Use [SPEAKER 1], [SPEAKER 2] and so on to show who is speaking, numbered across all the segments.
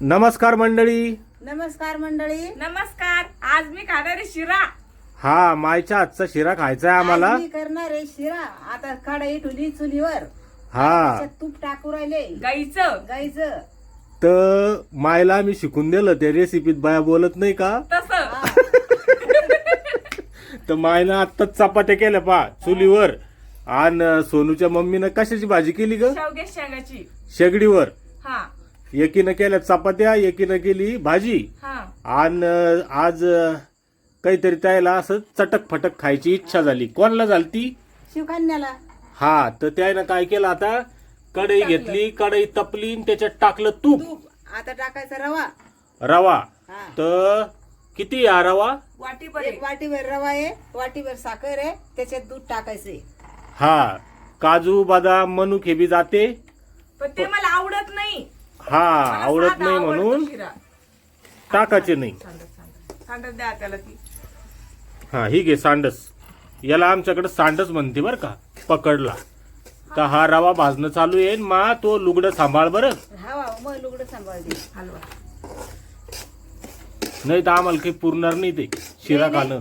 [SPEAKER 1] नमस्कार मंडळी.
[SPEAKER 2] नमस्कार मंडळी.
[SPEAKER 3] नमस्कार. आज मी खाणार आहे शिरा.
[SPEAKER 1] हा, मायच्या हातचा शिरा खायचा आहे आम्हाला.
[SPEAKER 2] आज मी करणार आहे शिरा. आता कढई ठेवली चुलीवर.
[SPEAKER 1] हा,
[SPEAKER 2] त्याच्यात तूप टाकू राहिले
[SPEAKER 3] गाईचं
[SPEAKER 1] तर मायला मी शिकून दिलं त्या रेसिपीत. बाया बोलत नाही का?
[SPEAKER 3] तसं
[SPEAKER 1] तर मायनं आत्ताच चपात्या केल्या पा चुलीवर. आणि सोनूच्या मम्मीनं कशाची भाजी केली ग?
[SPEAKER 3] शेवग्याच्या शेंगाची.
[SPEAKER 1] शेगडीवर.
[SPEAKER 3] हा
[SPEAKER 1] एकीनं केल्या चपात्या, एकीनं केली भाजी.
[SPEAKER 3] हा
[SPEAKER 1] आणि आज काहीतरी त्याला असं चटक फटक खायची इच्छा झाली. कोणाला झाली ती?
[SPEAKER 2] शिवकन्याला.
[SPEAKER 1] हा, तर त्यानं काय केलं, आता कढई घेतली, कढई तपली आणि त्याच्यात टाकलं तूप.
[SPEAKER 2] तूप. आता टाकायचा रवा.
[SPEAKER 1] रवा.
[SPEAKER 2] हा.
[SPEAKER 1] तर किती हा रवा?
[SPEAKER 3] वाटीभर
[SPEAKER 2] एक वाटीभर रवा आहे, वाटीभर साखर आहे, त्याच्यात दूध टाकायचंय.
[SPEAKER 1] हा, काजू बदाम मनुक हे बी जाते.
[SPEAKER 3] पण ते मला आवडत नाही.
[SPEAKER 1] हा,
[SPEAKER 3] मला
[SPEAKER 1] आवडत
[SPEAKER 3] साधा
[SPEAKER 1] नाही
[SPEAKER 3] आवडतो
[SPEAKER 1] म्हणून
[SPEAKER 3] शिरा.
[SPEAKER 1] टाकायचे नाही.
[SPEAKER 3] सांडत द्या त्याला ती.
[SPEAKER 1] हा, ही घे सांडस. याला आमच्याकडे सांडस म्हणते बर का. पकडला तर हा रवा भाजणं चालू आहे. मा तो लुगडं सांभाळ बरं,
[SPEAKER 2] हा मग लुगडं सांभाळते.
[SPEAKER 3] हलवा.
[SPEAKER 1] नाही तर आम्हाला काही पुरणार नाही ते शिरा खाणं.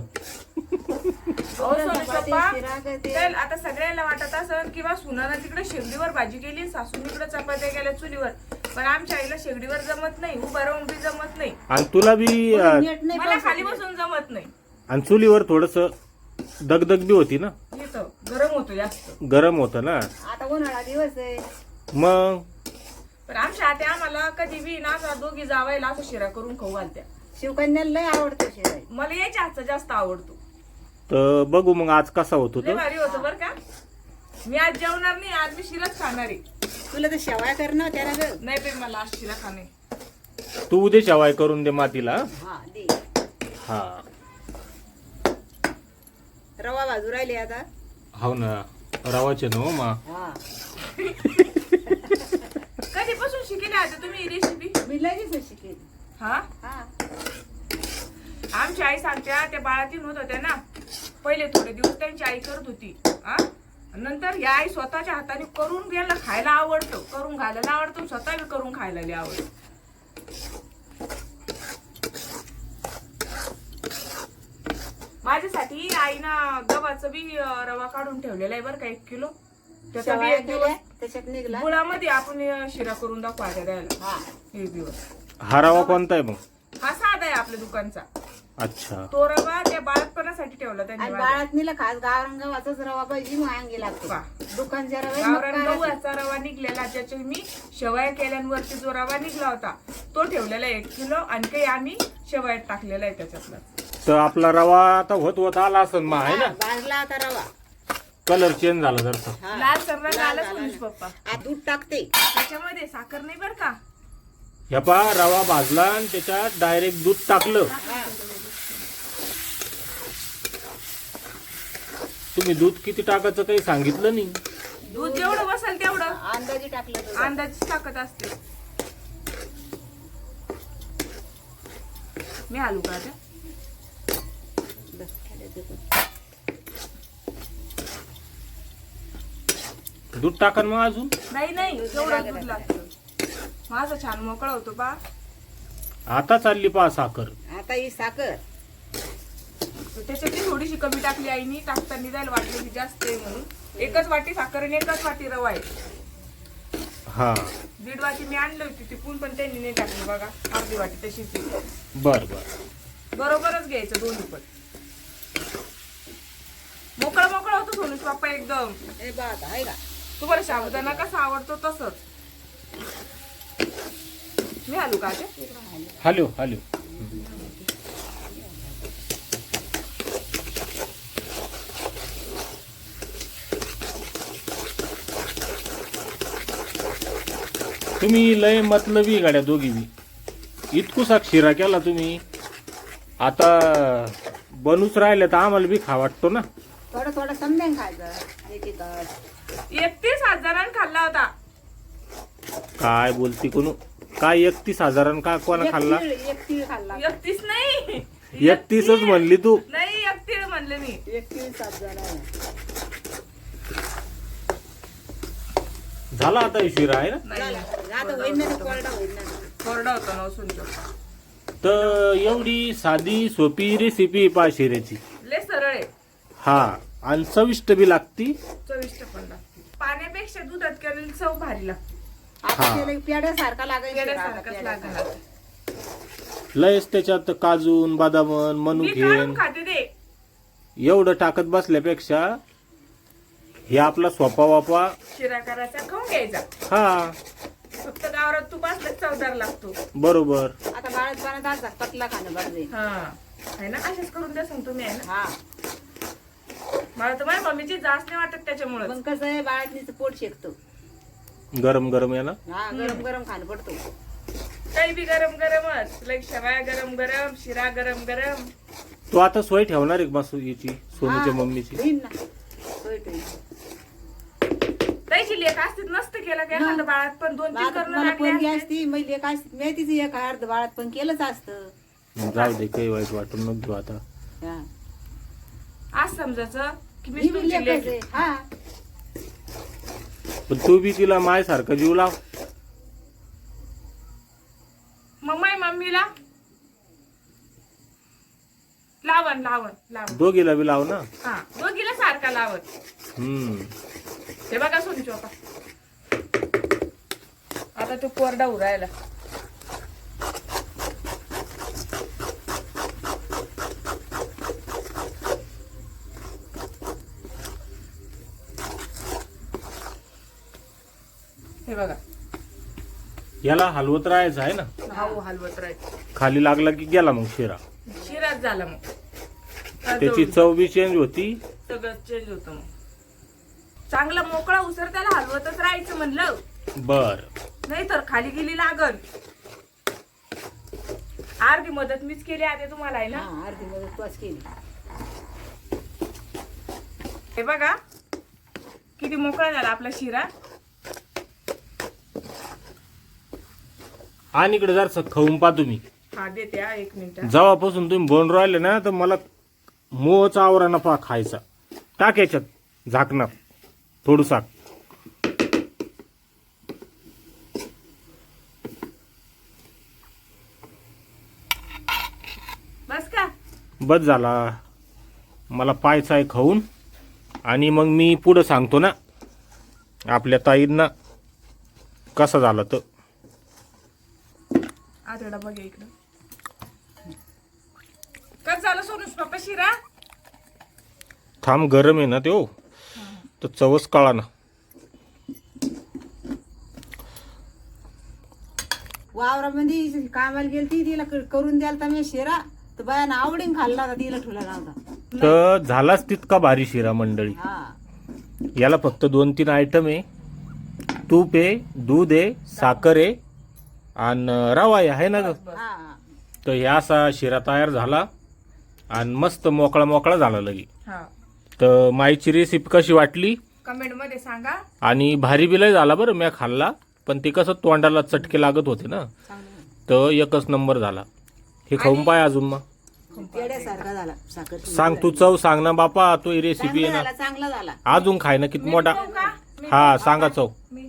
[SPEAKER 2] शिरा करते.
[SPEAKER 3] तर आता सगळ्यांना वाटत असं किंवा सुनानं तिकडे शेगडीवर भाजी केली, सासून इकडे चपात्या केल्या चुलीवर. पण आमच्या आईला शेगडीवर जमत नाही, उभं राहून बी जमत नाही,
[SPEAKER 1] आणि तुला बी
[SPEAKER 2] नीट नाही
[SPEAKER 3] मला
[SPEAKER 2] पाहिजे.
[SPEAKER 3] खाली बसून जमत नाही.
[SPEAKER 1] आणि चुलीवर थोडस दगदग बी होती ना,
[SPEAKER 3] येतं गरम होतो जास्त.
[SPEAKER 1] गरम होतं ना.
[SPEAKER 2] आता उन्हाळा दिवस आहे.
[SPEAKER 1] मग
[SPEAKER 3] पण आमच्या आत्या आम्हाला कधी बी ना असं दोघी जावायला असं शिरा करून खाऊ घालत्या.
[SPEAKER 2] शिवकन्याला लय आवडतो शिरा.
[SPEAKER 3] मला याच्या हातचा जास्त आवडतो.
[SPEAKER 1] तर बघू मग आज कसा होतो
[SPEAKER 3] लय
[SPEAKER 1] तो.
[SPEAKER 3] भारी होतं बरं का. मी आज जेवणार नाही, आज मी शिराच खाणार आहे.
[SPEAKER 2] तुला तर शेवाया करणं त्याला ग.
[SPEAKER 3] नाही बाई, मला आज शिरा खाणे.
[SPEAKER 1] तू उद्या शेवाय करून दे मातीला.
[SPEAKER 2] हा दे.
[SPEAKER 1] हा,
[SPEAKER 2] रवा भाजू राहिले आता.
[SPEAKER 1] हो ना, रवाचे ना हो मा.
[SPEAKER 2] हा
[SPEAKER 3] कधीपासून शिकले आता तुम्ही ही रेसिपी?
[SPEAKER 2] मी लगेच शिकेल.
[SPEAKER 3] हा,
[SPEAKER 2] हा
[SPEAKER 3] आमची आई सांगत्या त्या बाळातीन होत होत्या ना, पहिले थोडे दिवस त्यांची आई करत होती. हा, नंतर या आई स्वतःच्या हाताने करून घ्यायला खायला आवडतं, करून घालायला आवडतं, स्वतः बी करून खायला लय आवडतं. माझ्यासाठी आईनं गव्हाचं बी रवा काढून ठेवलेला आहे बरं का, 1 किलो. त्याचा बी
[SPEAKER 2] शेवाया
[SPEAKER 3] एक दिवस
[SPEAKER 2] केल्या त्याच्यात निघला.
[SPEAKER 3] गुळामध्ये आपण शिरा करून दाखवा द्यायला.
[SPEAKER 2] हा
[SPEAKER 3] 1 दिवस.
[SPEAKER 1] हा रवा कोणता आहे मग?
[SPEAKER 3] हा साधा आहे आपल्या दुकानचा.
[SPEAKER 1] अच्छा,
[SPEAKER 3] तो रवा त्या बाळपणासाठी ठेवला त्यांनी.
[SPEAKER 2] आणि बाळात नेला खास गावरान गव्हाचाच रवा पाहिजे, मग अंगी लागतो.
[SPEAKER 3] वा.
[SPEAKER 2] दुकानच्या
[SPEAKER 3] गावरान
[SPEAKER 2] रवा
[SPEAKER 3] गव्हाचा रवा निघलेला, ज्याच्या मी शेवया केल्यांवरती जो रवा निघला होता तो ठेवलेला 1 किलो, आणि काही आम्ही शेवयात टाकलेला आहे त्याच्यातला.
[SPEAKER 1] तर आपला रवा आता होत आला असं मा आहे ना.
[SPEAKER 2] भाजला आता रवा.
[SPEAKER 1] कलर चेंज झाला जरसा.
[SPEAKER 2] हा.
[SPEAKER 3] लाल सर्व
[SPEAKER 2] लाल
[SPEAKER 3] लालच
[SPEAKER 2] झाला
[SPEAKER 3] होईस
[SPEAKER 2] ना.
[SPEAKER 3] पप्पा.
[SPEAKER 2] आ, दूध टाकते.
[SPEAKER 3] त्याच्यामध्ये साखर नाही बरं का.
[SPEAKER 1] ह्या पा रवा भाजला आणि त्याच्यात डायरेक्ट दूध टाकलं.
[SPEAKER 2] हा.
[SPEAKER 1] तुम्ही दूध किती टाकायचं काही सांगितलं नाही.
[SPEAKER 3] दूध जेवढं बसेल तेवढं
[SPEAKER 2] अंदाजे टाकलं दूध.
[SPEAKER 3] अंदाजीच टाकत असते मी. आलू का आता?
[SPEAKER 1] दूध टाका ना मग अजून.
[SPEAKER 3] नाही तेवढं दूध लागतं. माझं छान मोकळा होतो बा.
[SPEAKER 1] आता चालली पा साखर.
[SPEAKER 2] आता ही साखर.
[SPEAKER 3] त्याच्यातली थोडीशी कमी टाकली आईनी. टाकताना जायला वाटलं की जास्त आहे म्हणून. 1च वाटी साखर आणि 1च वाटी रवा आहे.
[SPEAKER 1] हा,
[SPEAKER 3] 1.5 वाटी मी आणली होती तिकून, पण त्यांनी नाही टाकली बघा. अर्धी वाटी तशीच आहे.
[SPEAKER 1] बर बर.
[SPEAKER 3] बरोबरच घ्यायचं दोन्ही पण. मोकळा होतो सोनूच बाप्पा एकदम.
[SPEAKER 2] हे बात आहे का.
[SPEAKER 3] तुम्हाला साबुदाणा कसा आवडतो तसंच. मी आलू का आता?
[SPEAKER 1] Hello hello. तुम्ही लय मतलबी गाड्या दोघी बी. इतकुसा शिरा केला तुम्ही. आता बनूच राहिले तर आम्हाला बी खा वाटतो ना.
[SPEAKER 2] थोडं थोडं समजेन खायचं. एक तास
[SPEAKER 3] 31,000 खाल्ला होता.
[SPEAKER 1] काय बोलती कोण? काय 31,000 का कोणा खाल्ला?
[SPEAKER 2] एक तीळ खाल्ला.
[SPEAKER 3] 31 नाही,
[SPEAKER 1] 31च म्हणली तू.
[SPEAKER 3] नाही 31 म्हणले मी.
[SPEAKER 2] 31,000.
[SPEAKER 1] झाला आता शिरा आहे ना.
[SPEAKER 3] नाही
[SPEAKER 2] आता होईल ना, कोरडा होईल ना.
[SPEAKER 3] कोरडा होता ना सुनचोपा.
[SPEAKER 1] तर एवढी साधी सोपी रेसिपी पा शिऱ्याची.
[SPEAKER 3] लय सरळ आहे,
[SPEAKER 1] हा, आणि चविष्ट बी लागती.
[SPEAKER 3] चविष्ट पण लागते. पाण्यापेक्षा दुधात केलेली चव भारी लागते.
[SPEAKER 2] आता
[SPEAKER 1] हा.
[SPEAKER 2] त्याला पेड्यासारखा लागेल शिरा, आता
[SPEAKER 3] पेड्यासारखंच
[SPEAKER 2] पेड्यासारखा.
[SPEAKER 3] लागणार.
[SPEAKER 1] लयच त्याच्यात काजून बदामन
[SPEAKER 3] मी
[SPEAKER 1] मनुकेन
[SPEAKER 3] काढून खाते ते.
[SPEAKER 1] एवढं टाकत बसल्यापेक्षा हे आपला सोपा वापा.
[SPEAKER 3] शिरा करायचा, खाऊन घ्यायचा.
[SPEAKER 1] हा,
[SPEAKER 3] फक्त गावरात तूप असलं की चवदार लागतो.
[SPEAKER 1] बरोबर.
[SPEAKER 2] आता बाळात आज पतला खाणं बरं जाईल.
[SPEAKER 3] हा आहे ना, अशाच करून द्या सांग तुम्ही. आहे ना,
[SPEAKER 2] हा,
[SPEAKER 3] मला तर माझ्या मम्मीची जाच नाही वाटत त्याच्यामुळे.
[SPEAKER 2] मग कसं आहे बाळातनीच पोट शेकतो.
[SPEAKER 1] गरम गरम आहे ना.
[SPEAKER 2] हा, गरम गरम खाणं पडतो.
[SPEAKER 3] काही बी गरम गरमच, लाईक शेवया गरम गरम, शिरा गरम गरम.
[SPEAKER 1] तू आता सोय ठेवणार आहे का मासू याची, सोनूच्या
[SPEAKER 2] हा,
[SPEAKER 1] मम्मीची?
[SPEAKER 2] होईन ना. होय, होय.
[SPEAKER 3] त्याची लेख असतीच नसतं केलं काय एखादं बाळात, पण 2-3
[SPEAKER 2] आता
[SPEAKER 3] करणं
[SPEAKER 2] तुम्हाला पोरगी
[SPEAKER 3] लागले.
[SPEAKER 2] असती मग लेक असती, मी तिचं एक अर्ध बाळात पण केलंच असतं.
[SPEAKER 1] जाऊ दे, काही वाईट वाटून नको घेऊ आता.
[SPEAKER 2] हा.
[SPEAKER 3] आज समजायचं की मी
[SPEAKER 2] ही बी
[SPEAKER 3] तुमची
[SPEAKER 2] लेकच
[SPEAKER 3] लेक.
[SPEAKER 2] आहे. हा,
[SPEAKER 1] पण तू बी तिला माय सारखं जीव लाव.
[SPEAKER 3] मग माझ्या मम्मीला लावण लावण लावण.
[SPEAKER 1] दोघीला बी लाव ना.
[SPEAKER 3] हा, दोघीला सारखा लावत. हे बघा सोनू आता, आता तो कोरडा उरायला. हे बघा,
[SPEAKER 1] याला हलवत राहायचं आहे ना.
[SPEAKER 3] भाऊ हलवत राहायचं.
[SPEAKER 1] खाली लागला की गेला मग शिरा.
[SPEAKER 3] शिराच झाला मग.
[SPEAKER 1] त्याची चव बी चेंज होती.
[SPEAKER 3] सगळं चेंज होतं मग. चांगला मोकळा उसर त्याला हलवतच राहायचं म्हणलं,
[SPEAKER 1] बर.
[SPEAKER 3] नाही तर खाली गेली लागल. अर्धी मदत मीच केली आता तुम्हाला, आहे ना.
[SPEAKER 2] हा, अर्धी मदत तूच केली.
[SPEAKER 3] हे बघा किती मोकळा झाला आपला शिरा.
[SPEAKER 1] आणि इकडे जर खाऊन पा तुम्ही.
[SPEAKER 3] हा, देते हा, 1 मिनिट.
[SPEAKER 1] जेव्हापासून तुम्ही बोन राहिले ना, तर मला मोहचा आवरा नफा खायचा. टाक याच्यात झाकणार थोडूसा.
[SPEAKER 3] बस का?
[SPEAKER 1] बस झाला. मला पायचा आहे खाऊन. आणि मग मी पुढं सांगतो ना आपल्या ताईंना कसं झालं तर.
[SPEAKER 3] आतडा बघ इकडं. कसं झालं सोनूस पप्पा शिरा?
[SPEAKER 1] थांब, गरम आहे ना तो, तर चवच कळा ना.
[SPEAKER 2] वावरामध्ये कामाला गेलती, तिला करून द्याल तर मी शिरा, तर बायानं आवडीन खाल्ला होता, तिला ठुला नव्हता.
[SPEAKER 1] तर झालाच तितका भारी शिरा मंडळी.
[SPEAKER 2] हा,
[SPEAKER 1] याला फक्त 2-3 आयटम आहे. तूप आहे, दूध आहे, साखर आहे आणि रवा आहे ना ग.
[SPEAKER 2] हा.
[SPEAKER 1] तर ह्या असा शिरा तयार झाला आणि मस्त मोकळा मोकळा झाला लगी.
[SPEAKER 3] हा,
[SPEAKER 1] तर माईची रेसिपी कशी वाटली
[SPEAKER 3] कमेंट मध्ये सांगा.
[SPEAKER 1] आणि भारी बिलय झाला बरं. मी खाल्ला, पण ते कसं तोंडाला चटके लागत होते ना,
[SPEAKER 2] चांगलं.
[SPEAKER 1] तर एकच नंबर झाला. हे खाऊन पाय अजून मग.
[SPEAKER 2] पेड्यासारखा झाला. साखर
[SPEAKER 1] सांग तू, चव सांग ना बापा. तो रेसिपी
[SPEAKER 2] चांगला
[SPEAKER 1] आहे
[SPEAKER 2] झाला,
[SPEAKER 1] ना,
[SPEAKER 2] चांगला झाला.
[SPEAKER 1] अजून खाय ना किती मोठा.
[SPEAKER 3] खाऊ का? मी
[SPEAKER 1] हा, सांगा चव.
[SPEAKER 3] मी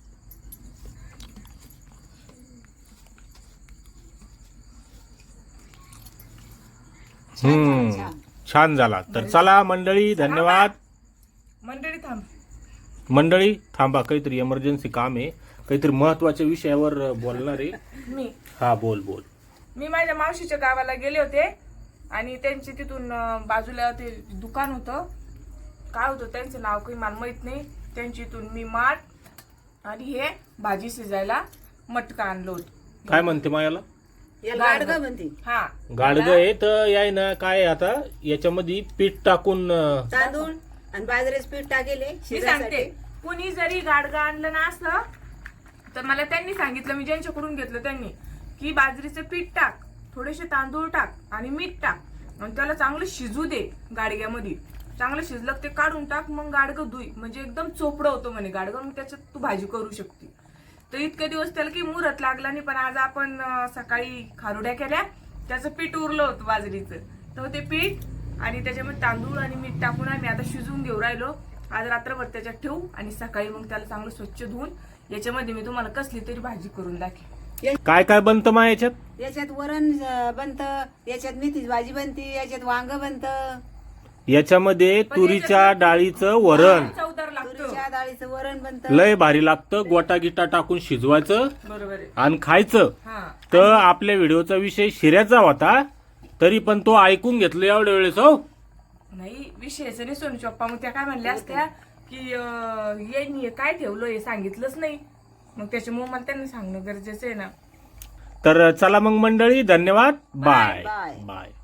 [SPEAKER 2] छान.
[SPEAKER 1] छान झाला. तर चला मंडळी, धन्यवाद.
[SPEAKER 3] मंडळी थांब.
[SPEAKER 1] मंडळी थांबा, काहीतरी इमर्जन्सी काम आहे, काहीतरी महत्वाच्या विषयावर बोलणार आहे.
[SPEAKER 3] मी
[SPEAKER 1] हा, बोल बोल.
[SPEAKER 3] मी माझ्या मावशीच्या गावाला गेले होते आणि त्यांचे तिथून बाजूला ते दुकान होतं. काय होतं त्यांचं नाव काही मला माहित नाही. त्यांची इथून मी माठ आणि हे भाजी शिजायला मटका आणलं होतं.
[SPEAKER 1] काय म्हणते मायाला?
[SPEAKER 2] याला गाडगं म्हणते.
[SPEAKER 3] हा,
[SPEAKER 1] गाडग आहे. तर याय ना काय आता याच्यामध्ये पीठ टाकून
[SPEAKER 2] तांदूळ आणि बाजरीचं पीठ टाकेले
[SPEAKER 3] मी
[SPEAKER 2] शिऱ्यासाठी.
[SPEAKER 3] सांगते, कुणी जरी गाडगा आणलं ना असं, तर मला त्यांनी सांगितलं, मी ज्यांच्याकडून घेतलं त्यांनी, की बाजरीचं पीठ टाक, थोडेसे तांदूळ टाक आणि मीठ टाक आणि त्याला चांगलं शिजू दे गाडग्यामध्ये. चांगलं शिजलं ते काढून टाक, मग गाडगं धुई, म्हणजे एकदम चोपडं होतं म्हणे गाडगं, मग त्याच्यात तू भाजी करू शकते. तर इतके दिवस त्याला काही मुहूर्त लागला नाही, पण आज आपण सकाळी खारुड्या केल्या, त्याचं पीठ उरलं होतं बाजरीचं. तर ते पीठ आणि त्याच्यामध्ये तांदूळ आणि मीठ टाकून आम्ही आता शिजवून घेऊ राहिलो. आज रात्रभर त्याच्यात ठेवू आणि सकाळी मग त्याला चांगलं स्वच्छ धुवून याच्यामध्ये मी तुम्हाला कसली तरी भाजी करून दाखवेन.
[SPEAKER 1] काय काय बनतं मा याच्यात?
[SPEAKER 2] याच्यात वरण बनतं, याच्यात मेथीची भाजी बनते, याच्यात वांग बनतं,
[SPEAKER 1] याच्यामध्ये तुरीच्या डाळीचं वरण
[SPEAKER 3] चवदार लागतं.
[SPEAKER 2] तुरीच्या डाळीचं वरण बनतं.
[SPEAKER 1] लय भारी लागतं. गोटा गिटा टाकून शिजवायचं
[SPEAKER 3] बरोबर आहे.
[SPEAKER 1] आणि खायचं.
[SPEAKER 3] हा
[SPEAKER 1] तर आपल्या व्हिडिओचा विषय शिऱ्याचा होता, तरी पण तो ऐकून घेतलं एवढ्या वेळेस. हो
[SPEAKER 3] नाही विषयच नाही सोनू चप्पा. मग त्या काय म्हणल्या असत्या की यांनी काय ठेवलं हे सांगितलंच नाही. मग त्याच्यामुळे मला त्यांना सांगणं गरजेचं आहे ना.
[SPEAKER 1] तर चला मग मंडळी, धन्यवाद. Bye
[SPEAKER 2] bye.
[SPEAKER 1] बाय.